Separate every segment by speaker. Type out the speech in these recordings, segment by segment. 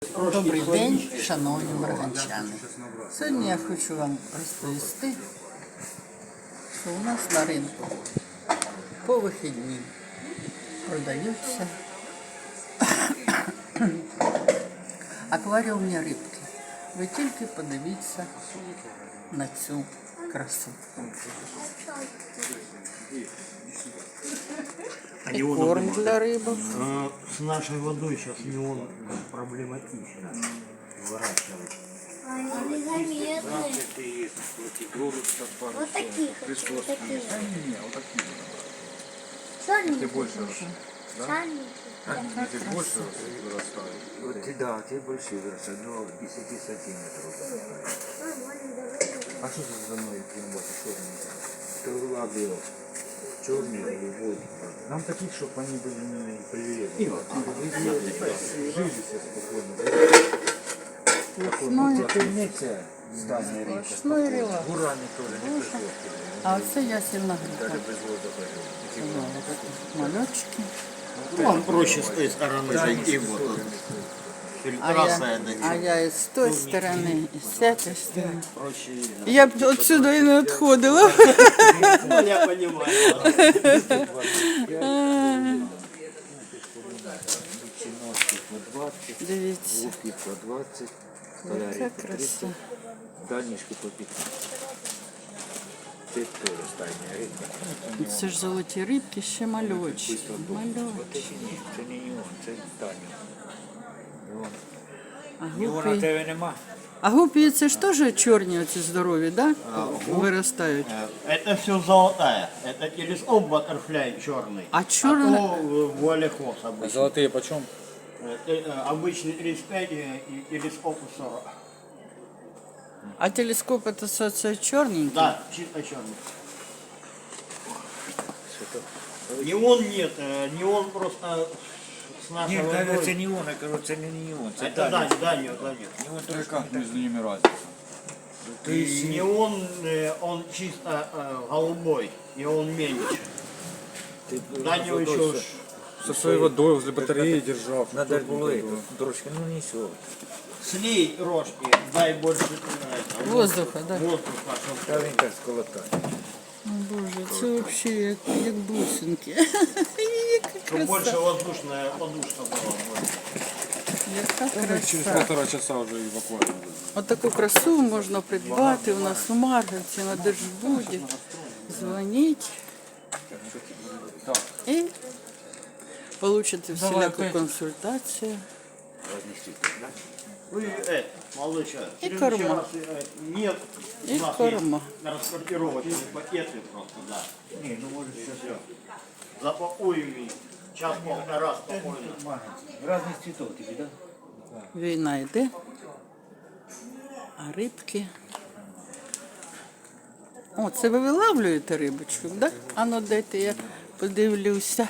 Speaker 1: Добрий день, шановні марганчани. Сьогодні я хочу вам розповісти, що у нас на ринку по вихідні продаються акваріумні рибки. Ви тільки подивіться на цю красу. И корм для рыбок.
Speaker 2: С нашей водой сейчас не он проблематично выращивать.
Speaker 3: Они заметные. Вот таких. Сальники.
Speaker 4: Ты больше вырастают? Вот, да, те большие вырастают, до 10 сантиметров. А что это за мной черный? Это лабио. Черный или водный. Нам таких, чтобы они были не привязаны. Жили все спокойно. Тернеться стальная река.
Speaker 1: Ручной релакс.
Speaker 4: Гурами тоже не пришло.
Speaker 1: А оце ясельна грибка.
Speaker 4: Даже без воздуха.
Speaker 1: Малечки.
Speaker 2: Он проще с той стороны зайти, вот тут.
Speaker 1: А я і з тої сторони, і з цієї сторони.
Speaker 2: Проще.
Speaker 1: Я б отсюда і не відходила.
Speaker 2: Ну, я понимаю.
Speaker 4: Чиновки по 20,
Speaker 1: Дивіться,
Speaker 4: луки по 20,
Speaker 1: яка
Speaker 4: столярі по 30,
Speaker 1: краса.
Speaker 4: дальнішки по 15. Це теж стальня рибка.
Speaker 1: Це ж золоті рибки, ще мальочі.
Speaker 4: Це
Speaker 1: Мальочі.
Speaker 4: ні, це не неон, це стальня.
Speaker 1: А
Speaker 4: Неона
Speaker 1: гупі,
Speaker 4: тебе нема.
Speaker 1: а гупі це ж теж чорні оці здорові, да? Виростають.
Speaker 2: Это все золотая. Это телескоп баттерфляй черный.
Speaker 1: А черный-
Speaker 2: то вуалехос обычный.
Speaker 4: Золотые почем?
Speaker 2: Обычный 35 и телескоп 40.
Speaker 1: А телескоп це чорненький?
Speaker 2: Да, чисто черный. Неон нет, неон просто с нашей
Speaker 4: Ні, це
Speaker 2: водой.
Speaker 4: неон, я кажу, це не неон, це
Speaker 2: Это
Speaker 4: дальня.
Speaker 2: дальний.
Speaker 4: Неон
Speaker 5: Как между ними разница?
Speaker 2: То есть неон, он чисто голубой, и он меньше. Дальнего еще ж
Speaker 5: Со своей водой возле батареи держал.
Speaker 4: Надо було трошки, ну нічого.
Speaker 2: слей рожки, дай больше
Speaker 1: Воздуха, да?
Speaker 2: воздуха, чтоб
Speaker 4: Та він так сколотає.
Speaker 1: О, Боже, це взагалі як бусинки. Яка
Speaker 2: чтоб больше
Speaker 1: краса.
Speaker 2: воздушная подушка была.
Speaker 1: Яка
Speaker 5: Через
Speaker 1: краса.
Speaker 5: 1,5 часа уже и в аквариуме.
Speaker 1: Отаку красу можна придбати у нас у Марганці на Держбуді. Дзвоніть і получите всіляку консультацію.
Speaker 2: Вы, молодой
Speaker 1: И
Speaker 2: человек,
Speaker 1: корма.
Speaker 2: Нет,
Speaker 1: И
Speaker 2: у нас
Speaker 1: корма.
Speaker 2: есть распортировочные пакеты просто, да.
Speaker 4: Ні, ну може
Speaker 2: Все. Запакуем и час-полтора спокойно.
Speaker 4: Разних цвітов тобі, так?
Speaker 1: Війна йде, а рибки. О, це ви вилавлюєте рибочку, так? Да? А ну дайте я подивлюся.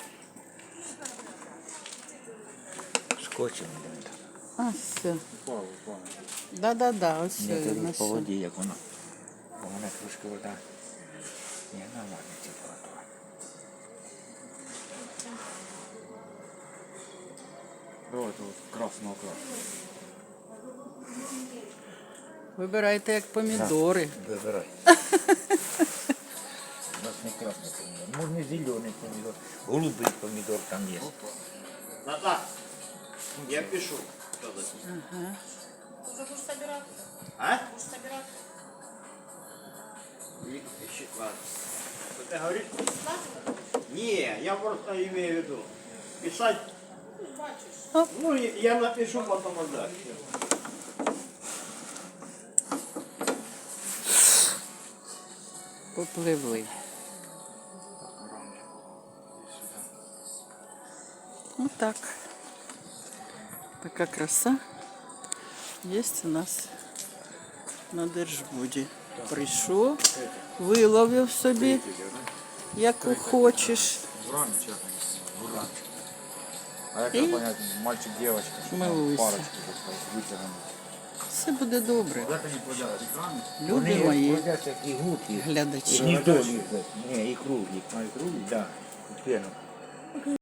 Speaker 4: Скотчем.
Speaker 1: А, все. Да, ось все.
Speaker 4: Ні,
Speaker 1: я
Speaker 4: це по
Speaker 1: знайшла.
Speaker 4: воді, як воно. Бо вона трошки вода. Ні, нормальна температура.
Speaker 5: Давай, это вот красного красного.
Speaker 1: Вибирайте як помідори.
Speaker 4: Вибирай. У нас не красний помідор. Можна зелений помідор. Голубий помідор там є.
Speaker 2: Да, я пишу. А? Что ты говоришь? Не, я просто имею в виду. Писать. Ну, я напишу потом отдать.
Speaker 1: Попливли. Отак. Така краса є у нас на Держбуді. Прийшов, виловив собі, яку хочеш.
Speaker 5: А я как понять, мальчик, девочка, что там
Speaker 1: Милуйся.
Speaker 5: парочки вытяганы.
Speaker 1: Все буде добре.
Speaker 5: Куда-то не плодят экраны?
Speaker 1: Люди мої
Speaker 4: плодяться як і гуки.
Speaker 1: глядачі.
Speaker 4: Ні, і круглі. Ні, і круглі. А, і круглі, так. Да. Пену.